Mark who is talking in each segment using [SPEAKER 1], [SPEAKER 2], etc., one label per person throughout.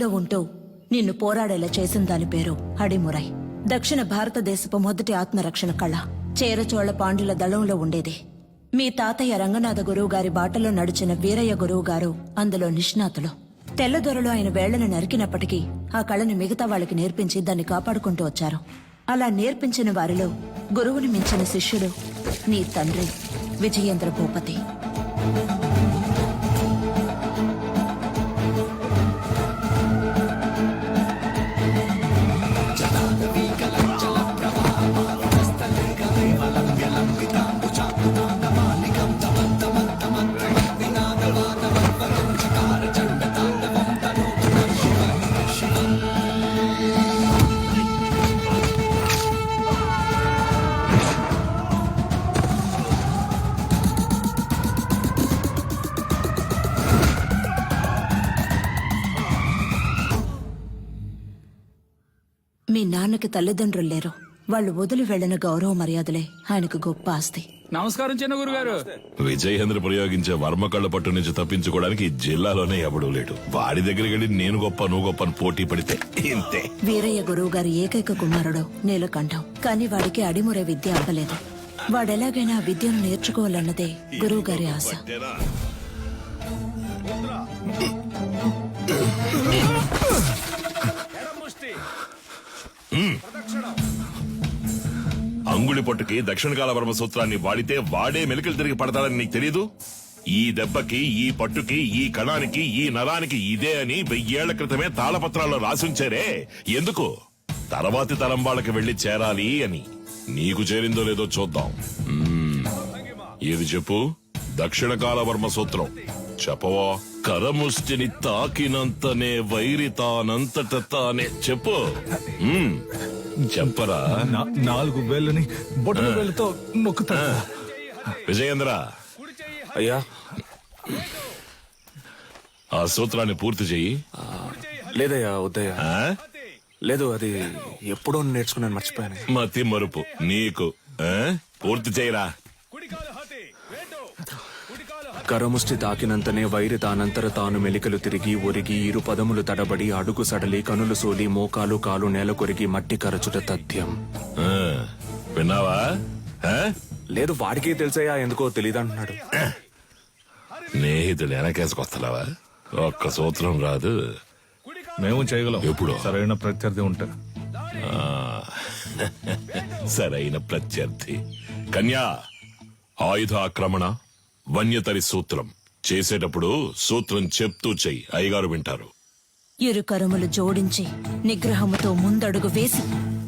[SPEAKER 1] ఉంటూ నిన్ను పోరాడేలా చేసిన దాని పేరు అడిమురై. దక్షిణ భారతదేశపు మొదటి ఆత్మరక్షణ కళ చేరచోళ పాండ్యుల దళంలో ఉండేది. మీ తాతయ్య రంగనాథ గురువు గారి బాటలో నడిచిన వీరయ్య గురువు గారు అందులో నిష్ణాతులు. తెల్లదొరలు ఆయన వేళ్లను నరికినప్పటికీ ఆ కళను మిగతా వాళ్ళకి నేర్పించి దాన్ని కాపాడుకుంటూ వచ్చారు. అలా నేర్పించిన వారిలో గురువుని మించిన శిష్యుడు నీ తండ్రి విజయేంద్ర భూపతి. మీ నాన్నకి తల్లిదండ్రులు లేరు. వాళ్ళు వదిలి వెళ్లిన గౌరవ మర్యాదలే ఆయనకు గొప్ప ఆస్తి.
[SPEAKER 2] నమస్కారం చిన్న గురుగారు.
[SPEAKER 3] విజయేంద్ర ప్రయోగించే వర్మ కళ్ళ పట్టు నుంచి తప్పించుకోవడానికి ఈ జిల్లాలోనే ఎవడూ లేడు. వాడి దగ్గరికి వెళ్ళి నేను గొప్ప నువ్వు గొప్ప అని పోటీ పడితే ఇంతే.
[SPEAKER 1] వీరయ్య గురువు గారి ఏకైక కుమారుడు నీలకంఠం. కానీ వాడికి అడిమురే విద్య అవ్వలేదు. వాడెలాగైనా ఆ విద్యను నేర్చుకోవాలన్నదే గురువు గారి ఆశ.
[SPEAKER 3] అంగుళి పట్టుకి దక్షిణ కాల వర్మ సూత్రాన్ని వాడితే వాడే మెలికలు తిరిగి పడతాడని నీకు తెలీదు? ఈ దెబ్బకి, ఈ పట్టుకి, ఈ కణానికి, ఈ నరానికి ఇదే అని 1000 ఏళ్ల క్రితమే తాళపత్రాల్లో రాసుంచారే. ఎందుకు? తర్వాతి తరం వాళ్ళకి వెళ్లి చేరాలి అని. నీకు చేరిందో లేదో చూద్దాం. ఏది చెప్పు? దక్షిణ కాల వర్మ సూత్రం చెప్పవా? కరముష్టిని తాకినంతనే వైరి తానంతట తానే. చెప్పు. చెప్పరా?
[SPEAKER 4] 4 వేళ్ళని బొట్టల వేళ్ళతో నొక్కుతా.
[SPEAKER 3] విజయేంద్ర,
[SPEAKER 5] అయ్యా
[SPEAKER 3] ఆ సూత్రాన్ని పూర్తి చెయ్యి.
[SPEAKER 5] లేదయ్యా, వద్దయ్యా. లేదు, అది ఎప్పుడో నేర్చుకున్నాను, మర్చిపోయాను.
[SPEAKER 3] మతి మరుపు నీకు. పూర్తి చేయరా.
[SPEAKER 5] కరముష్టి తాకినంతనే వైరి తానంతర తాను మెలికలు తిరిగి ఒరిగి 2 పదములు తడబడి అడుగు సడలి కనులు సోలి మోకాలు కాలు నేల కొరిగి మట్టి కరచుట తథ్యం.
[SPEAKER 3] విన్నావా?
[SPEAKER 5] లేదు, వాడికే తెలుసయ్యా, ఎందుకో తెలీదంటున్నాడు.
[SPEAKER 3] స్నేహితుడు వెనకేసుకొస్తావా? ఒక్క సూత్రం రాదు.
[SPEAKER 4] మేము చేయగలం.
[SPEAKER 3] ఎప్పుడు?
[SPEAKER 4] సరైన ప్రత్యర్థి ఉంటా.
[SPEAKER 3] సరైన ప్రత్యర్థి. కన్యా, ఆయుధ ఆక్రమణ వన్యతరి సూత్రం చేసేటప్పుడు సూత్రం చెప్తూ చెయ్యి. అయ్యగారు వింటారు.
[SPEAKER 1] 2 కరములు జోడించి నిగ్రహముతో ముందడుగు వేసి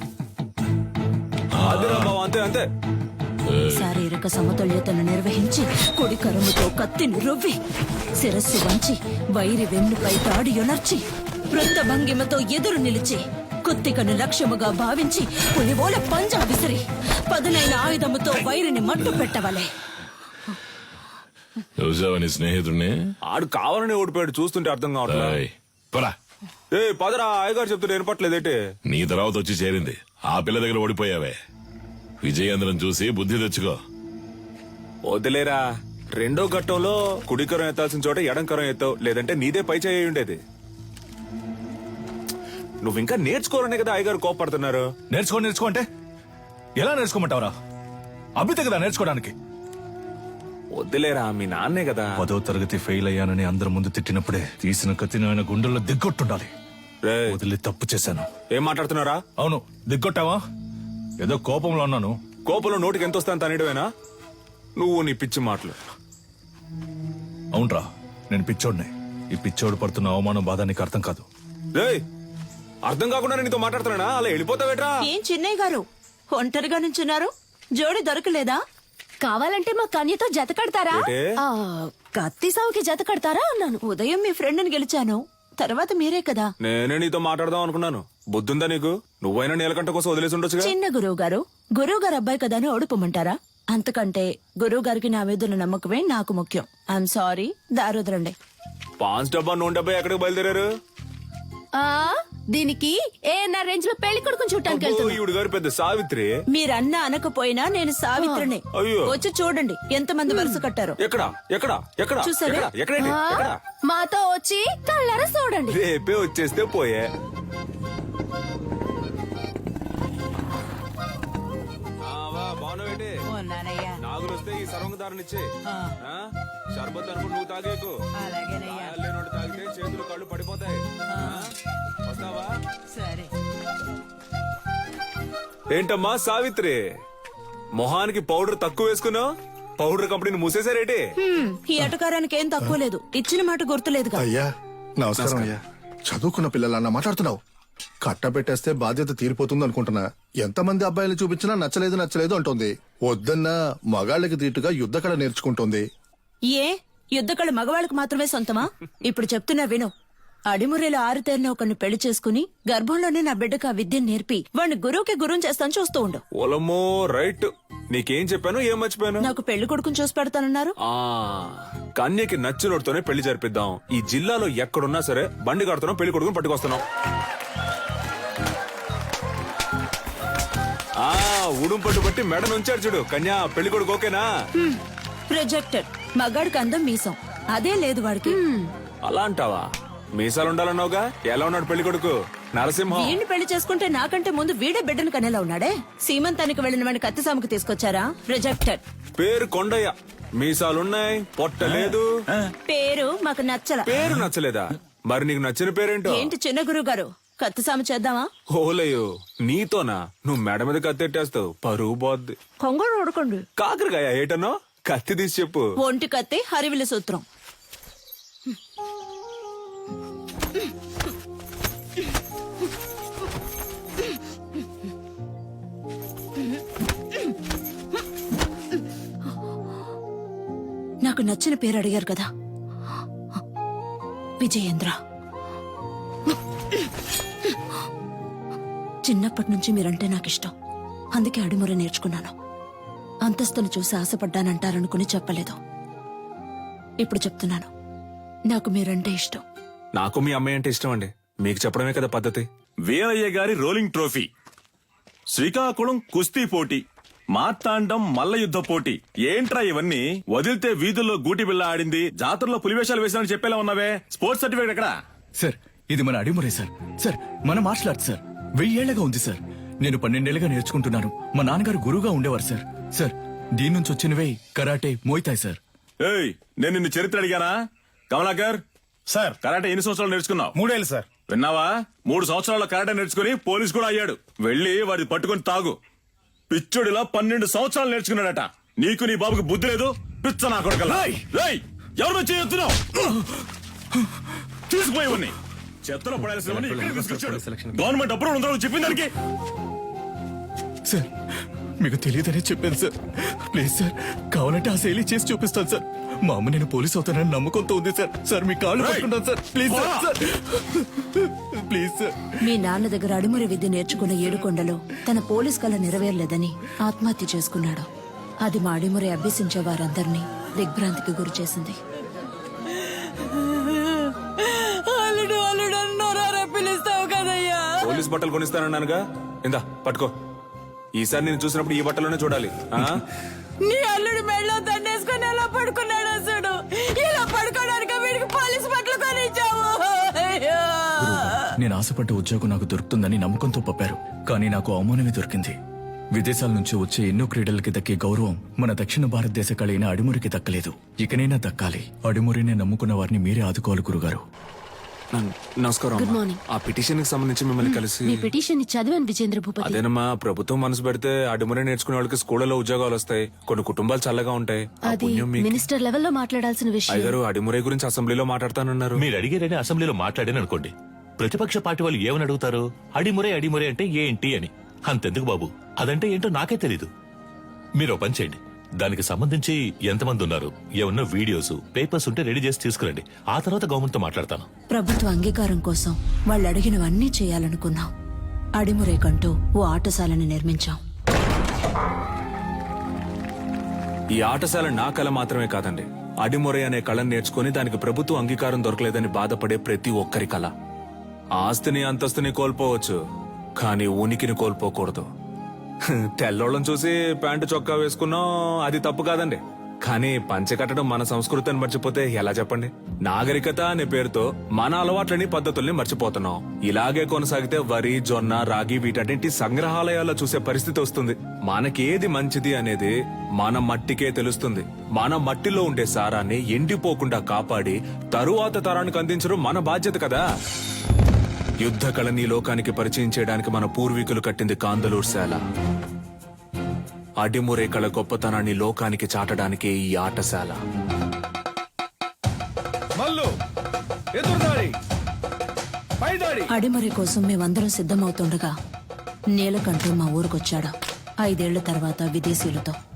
[SPEAKER 5] అంతే అంతే.
[SPEAKER 1] శారీరక సమతుల్యతను నిర్వహించి కుడి కరముతో కత్తిని రువ్వి శిరస్సు వంచి వైరి వెన్నుపై తాడి యొనర్చి వృత్త భంగిమతో ఎదురు నిలిచి కుత్తికను లక్ష్యముగా భావించి పులివోల పంజా విసిరి పదునైన ఆయుధముతో వైరిని మట్టు పెట్టవలే.
[SPEAKER 3] చూసావని స్నేహితుడిని?
[SPEAKER 5] ఆడు కావాలని ఓడిపోయాడు, చూస్తుంటే అర్థం కావట్లేదు. పదరా, అయ్యగారు చెప్తుంటే వినపట్లేదేంటి?
[SPEAKER 3] నీ తర్వాత వచ్చి చేరింది. ఆ పిల్ల దగ్గర ఓడిపోయావే. విజయేంద్రం చూసి బుద్ధి తెచ్చుకో.
[SPEAKER 5] వదిలేరా, 2వ ఘట్టంలో కుడికరం ఎత్తాల్సిన చోట ఎడంకరం ఎత్తావు, లేదంటే నీదే పై చేయి ఉండేది. నువ్వు ఇంకా నేర్చుకోరనే కదా అయ్యగారు కోపడుతున్నారు.
[SPEAKER 4] నేర్చుకో అంటే ఎలా నేర్చుకోమంటావరా? అభితే కదా నేర్చుకోవడానికి.
[SPEAKER 5] వద్దులేరా, మీ నాన్నే కదా.
[SPEAKER 4] 10వ తరగతి ఫెయిల్ అయ్యానని అందరి ముందు తిట్టినప్పుడే తీసిన కత్తిని ఆయన గుండెల్లో దిగ్గొట్టుండాలి. వదిలి తప్పు చేశాను.
[SPEAKER 5] ఏం మాట్లాడుతున్నారా?
[SPEAKER 4] అవును, దిగ్గొట్టావా? ఏదో కోపంలో ఉన్నాను.
[SPEAKER 5] కోపంలో నోటికి ఎంత వస్తాను తనేయడమేనా? నువ్వు నీ పిచ్చి మాటలు.
[SPEAKER 4] అవునరా, నేను పిచ్చోడ్నే. ఈ పిచ్చోడు పడుతున్న అవమానం బాధ నీకు అర్థం కాదు.
[SPEAKER 5] అర్థం కాకుండా నీతో మాట్లాడుతున్నా, అలా వెళ్ళిపోతావేట్రా?
[SPEAKER 1] ఏం చిన్నయ్య గారు ఒంటరిగా నుంచున్నారు? జోడి దొరకలేదా?
[SPEAKER 6] కావాలంటే మా కన్యతో జత కడతారా?
[SPEAKER 1] కత్తి సావుకి జత కడతారా అన్నాను. ఉదయం మీ ఫ్రెండ్ని గెలిచాను, తర్వాత మీరే కదా.
[SPEAKER 5] నేనే నీతో మాట్లాడదాం అనుకున్నాను. బుద్ధుందా నీకు? నువ్వైనా నీలకంఠ కోసం వదిలేసి ఉండొచ్చు.
[SPEAKER 1] చిన్న గురువు గారు అబ్బాయి కదా అని ఓడిపోమంటారా? అంతకంటే గురువు గారికి నా మీద నమ్మకమే నాకు ముఖ్యం. I'm sorry, దారుదరండి.
[SPEAKER 5] 5 డబ్బా 100 డబ్బా ఎక్కడికి బయలుదేరారు?
[SPEAKER 6] దీనికి ఏఎన్ఆర్ రేంజ్ లో పెళ్లి కొడుకుని చూడటానికి వెళ్తున్నా.
[SPEAKER 5] ఈవిడ గారు పెద్ద సావిత్రి.
[SPEAKER 1] మీరన్నా అనకపోయినా నేను సావిత్రిని.
[SPEAKER 5] అయ్యో.
[SPEAKER 1] వచ్చి చూడండి ఎంతమంది వరుస కట్టారు.
[SPEAKER 5] ఎక్కడ ఎక్కడ ఎక్కడ
[SPEAKER 1] చూసారా?
[SPEAKER 5] ఎక్కడ? ఎక్కడండి?
[SPEAKER 6] ఆ,
[SPEAKER 5] ఎక్కడ?
[SPEAKER 6] మాతో వచ్చి కళ్ళారా చూడండి.
[SPEAKER 5] రేపే వచ్చేస్తే పోయే. నాగులు వస్తే ఈ సర్వంగదారునిచ్చే షర్బత్ అనుకుని నువ్వు తాగేకు. లేనోడు తాగితే చేతులు కళ్ళు పడిపోతాయి. వస్తావా? ఏంటమ్మా సావిత్రి, మొహానికి పౌడర్ తక్కువ వేసుకున్నావు? పౌడర్ కంపెనీని మూసేశారేటి?
[SPEAKER 1] ఈ అటకారానికి ఏం తక్కువ లేదు. ఇచ్చిన మాట గుర్తులేదుగా.
[SPEAKER 2] అయ్యా నమస్కారం అయ్యా. చదువుకున్న పిల్లలన్నా మాట్లాడుతున్నావు. కట్టబెట్టేస్తే బాధ్యత తీరిపోతుంది అనుకుంటున్నా. ఎంతమంది అబ్బాయిలు చూపించినా నచ్చలేదు నచ్చలేదు అంటుంది. వద్దన్నా మగాళ్ళకి తీటుగా యుద్ధకళ నేర్చుకుంటుంది.
[SPEAKER 1] ఏ యుద్ధకళ మగవాళ్ళకి మాత్రమే సొంతమా? ఇప్పుడు చెప్తున్నా విను. అడిమురేలో ఆరుతేరిన ఒకరిని పెళ్లి చేసుకుని గర్భంలోనే నా బిడ్డకు ఆ విద్యను నేర్పి వాడిని గురువుకి గురువుని చేస్తాను చూస్తూ ఉండు.
[SPEAKER 5] ఓలమ్మో రైట్. నీకేం చెప్పాను, ఏం మర్చిపోయాను?
[SPEAKER 1] నాకు పెళ్లి కొడుకుని చూసి పెడతానన్నారు.
[SPEAKER 5] ఆ కన్యకి నచ్చినోడితోనే పెళ్లి జరిపిద్దాం. ఈ జిల్లాలో ఎక్కడున్నా సరే బండి కడుతున్నాం, పెళ్లి కొడుకుని పట్టుకొస్తున్నాం. ఉడుం పట్టు బట్టి మెడ నుంచాడు చూడు. కన్యా పెళ్లి కొడుకు ఓకేనా?
[SPEAKER 1] ప్రొజెక్టెడ్. మగాడికి అందం మీసం అదే లేదు వాడికి.
[SPEAKER 5] అలా అంటావా? మీసాలు ఉండాలన్నావుగా. ఎలా ఉన్నాడు పెళ్లి కొడుకు? నరసింహం.
[SPEAKER 1] వీడిని పెళ్లి చేసుకుంటే నాకంటే ముందు వీడే బిడ్డను కనేలా ఉన్నాడే. సీమంతానికి వెళ్లిన వాడిని కత్తిసాముకు తీసుకొచ్చారా? ప్రొజెక్టెడ్.
[SPEAKER 5] పేరు కొండయ్య, మీసాలున్నాయి, పొట్ట లేదు.
[SPEAKER 1] పేరు మాకు నచ్చల.
[SPEAKER 5] పేరు నచ్చలేదా? మరి నీకు నచ్చిన పేరేంటో?
[SPEAKER 1] ఏంటి చిన్న గురువు గారు, కత్తిసాము చేద్దామా?
[SPEAKER 5] ఓలయ్యో నీతోనా? నువ్వు మెడ మీద కత్తెట్టేస్తావు, పరువు పోద్ది.
[SPEAKER 1] కొంగడు ఉడకండి.
[SPEAKER 5] కాకరకాయ ఏటనో? కత్తి తీసి చెప్పు.
[SPEAKER 1] ఒంటి కత్తి హరివిల సూత్రం. నాకు నచ్చిన పేరు అడిగారు కదా, విజయేంద్ర. చిన్నప్పటి నుంచి మీరంటే నాకు ఇష్టం. అందుకే అడిముర నేర్చుకున్నాను. అంతస్తును చూసి ఆశపడ్డానంటారనుకుని చెప్పలేదు. ఇప్పుడు చెప్తున్నాను, నాకు మీరంటే ఇష్టం.
[SPEAKER 5] నాకు మీ అమ్మాయి అంటే ఇష్టం అండి. మీకు చెప్పడమే కదా పద్ధతి.
[SPEAKER 7] వీరయ్య గారి రోలింగ్ ట్రోఫీ, శ్రీకాకుళం కుస్తీ పోటీ, మార్తాండం మల్ల యుద్ధ పోటీ. ఏంట్రా ఇవన్నీ? వదిలితే వీధుల్లో గూటి బిళ్ళ ఆడింది, జాతరలో పులివేషాలు వేసానని చెప్పేలా ఉన్నావే. స్పోర్ట్స్ సర్టిఫికేట్ ఎక్కడా?
[SPEAKER 4] సార్ ఇది మన అడిమురే సార్. సార్ మన మార్షల్ ఆర్ట్స్ సార్. 1000 ఏళ్లగా ఉంది సార్. నేను 12 ఏళ్లుగా నేర్చుకుంటున్నాను. మా నాన్నగారు గురువుగా ఉండేవారు సార్. సార్ దీని నుంచి వచ్చినవే కరాటే, మోయితాయ్ సార్.
[SPEAKER 7] ఏయ్, నేను నిన్ను చరిత్ర అడిగానా? కమలాకర్
[SPEAKER 8] సార్
[SPEAKER 7] కరాటే ఎన్ని సంవత్సరాలు నేర్చుకున్నావు?
[SPEAKER 8] 3 ఏళ్ళు సార్.
[SPEAKER 7] విన్నావా? 3 సంవత్సరాల కరాటే నేర్చుకుని పోలీస్ కూడా అయ్యాడు. వెళ్ళి వాడి పట్టుకుని తాగు. పిచ్చుడిలా 12 సంవత్సరాలు నేర్చుకున్నాడట. నీకు నీ బాబుకి బుద్ధి లేదు. పిచ్చ నా కొడుకల్లా. ఏయ్, ఎవరు చేయొద్దున్నావు? తీసుకుపోయేవన్నీ చెత్తలో పడాల్సినవన్నీ ఇక్కడికి తీసుకొచ్చాడు. గవర్నమెంట్ అప్రూవల్ ఉందో చెప్పింది దానికి.
[SPEAKER 4] సార్ మీకు తెలియదనే చెప్పాను సార్. ప్లీజ్ సార్, కావాలంటే ఆ శైలి చేసి చూపిస్తాను సార్. మా అమ్మ నేను పోలీస్ అవుతానని నమ్మకంతో ఉంది సార్. సార్ మీ కాళ్ళు పట్టుకుంటాను sir. Please sir, sir. Please sir.
[SPEAKER 1] మీ నాన్న దగ్గర అడిమురి విద్య నేర్చుకున్న ఏడుకొండలో తన పోలీస్ కళ నెరవేరలేదని ఆత్మహత్య చేసుకున్నాడు. అది మా అడిమురి అభ్యసించే వారందరినీ దిగ్భ్రాంతికి గురి చేసింది.
[SPEAKER 5] పోలీస్ బట్టలు కొనిస్తానన్నానుగా. ఇందా పట్టుకో. ఈసారి నేను చూసినప్పుడు ఈ బట్టలోనే చూడాలి.
[SPEAKER 1] నీ అల్లుడు మెళ్ళో దండేసుకుని ఎలా పడుకున్నాడు అసలు? ఇలా పడుకోవడానికి వీడికి పోలీస్ బట్టలు కొనిచ్చావు.
[SPEAKER 4] నేను ఆశపడ్డ ఉద్యోగం నాకు దొరుకుతుందని నమ్మకంతో పంపారు. కానీ నాకు అవమానమే దొరికింది. విదేశాల నుంచి వచ్చే ఎన్నో క్రీడలకి దక్కే గౌరవం మన దక్షిణ భారతదేశ కళైన అడిమురికి దక్కలేదు. ఇకనైనా దక్కాలి. అడిమురినే నమ్ముకున్న వారిని మీరే ఆదుకోవాలి గురుగారు.
[SPEAKER 5] నమస్కారం.
[SPEAKER 6] Good morning.
[SPEAKER 5] ఆ పిటిషన్ కి సంబంధించి మిమ్మల్ని కలిసి.
[SPEAKER 6] మీ పిటిషన్ చదివాను విజేంద్ర భూపతి.
[SPEAKER 5] అదేనమ్మా, ప్రభుత్వం మనసు పెడితే అడిమురే నేర్చుకునే వాళ్ళకి స్కూళ్ళలో ఉద్యోగాలు వస్తాయి. కొన్ని కుటుంబాలు చల్లగా ఉంటాయి. ఆ
[SPEAKER 6] అది
[SPEAKER 5] పుణ్యం మీకు.
[SPEAKER 6] మినిస్టర్ లెవెల్లో మాట్లాడాల్సిన విషయం.
[SPEAKER 5] అయ్యగారు అడిమురే గురించి అసెంబ్లీలో మాట్లాడతానన్నారు.
[SPEAKER 9] మీరు అడిగారని అసెంబ్లీలో మాట్లాడాను అనుకోండి, ప్రతిపక్ష పార్టీ వాళ్ళు ఏమని అడుగుతారు? అడిమురే అడిమురే అంటే ఏంటి అని. అంతెందుకు బాబు, అదంటే ఏంటో నాకే తెలీదు. మీరు పని చేయండి, దానికి సంబంధించి ఎంతమంది ఉన్నారు, ఏమన్నా వీడియోస్, పేపర్స్ ఉంటే రెడీ చేసి తీసుకురండి. ఆ తర్వాత గవర్నమెంట్ తో మాట్లాడతాను.
[SPEAKER 1] ప్రభుత్వ అంగీకారం కోసం వాళ్ళు అడిగినవన్నీ చేయాలనుకున్నాం. అడిమురేకంటూ ఓ ఆటశాలని నిర్మించాం.
[SPEAKER 5] ఈ ఆటశాల నా కళ మాత్రమే కాదండి. అడిమురే అనే కళను నేర్చుకుని దానికి ప్రభుత్వ అంగీకారం దొరకలేదని బాధపడే ప్రతి ఒక్కరి కళ. ఆస్తిని అంతస్తుని కోల్పోవచ్చు కానీ ఉనికిని కోల్పోకూడదు. తెల్లోళ్ళని చూసి ప్యాంటు చొక్కా వేసుకున్నాం, అది తప్పు కాదండి. కానీ పంచె కట్టడం మన సంస్కృతిని మర్చిపోతే ఎలా చెప్పండి? నాగరికత అనే పేరుతో మన అలవాట్లని పద్ధతుల్ని మర్చిపోతున్నాం. ఇలాగే కొనసాగితే వరి, జొన్న, రాగి వీటన్నింటి సంగ్రహాలయాల్లో చూసే పరిస్థితి వస్తుంది. మనకేది మంచిది అనేది మన మట్టికే తెలుస్తుంది. మన మట్టిలో ఉండే సారాన్ని ఎండిపోకుండా కాపాడి తరువాత తరానికి అందించడం మన బాధ్యత కదా. యుద్ధ కళని లోకానికి పరిచయం చేయడానికి మన పూర్వీకులు కట్టింది కాందలూరు శాల. అడిమురే కళ గొప్పతనాన్ని లోకానికి చాటడానికి ఈ ఆటశాల.
[SPEAKER 1] అడిమరి కోసం మేమందరం సిద్ధమవుతుండగా నీలకంఠు మా ఊరికొచ్చాడు. 5 ఏళ్ల తర్వాత విదేశీయులతో.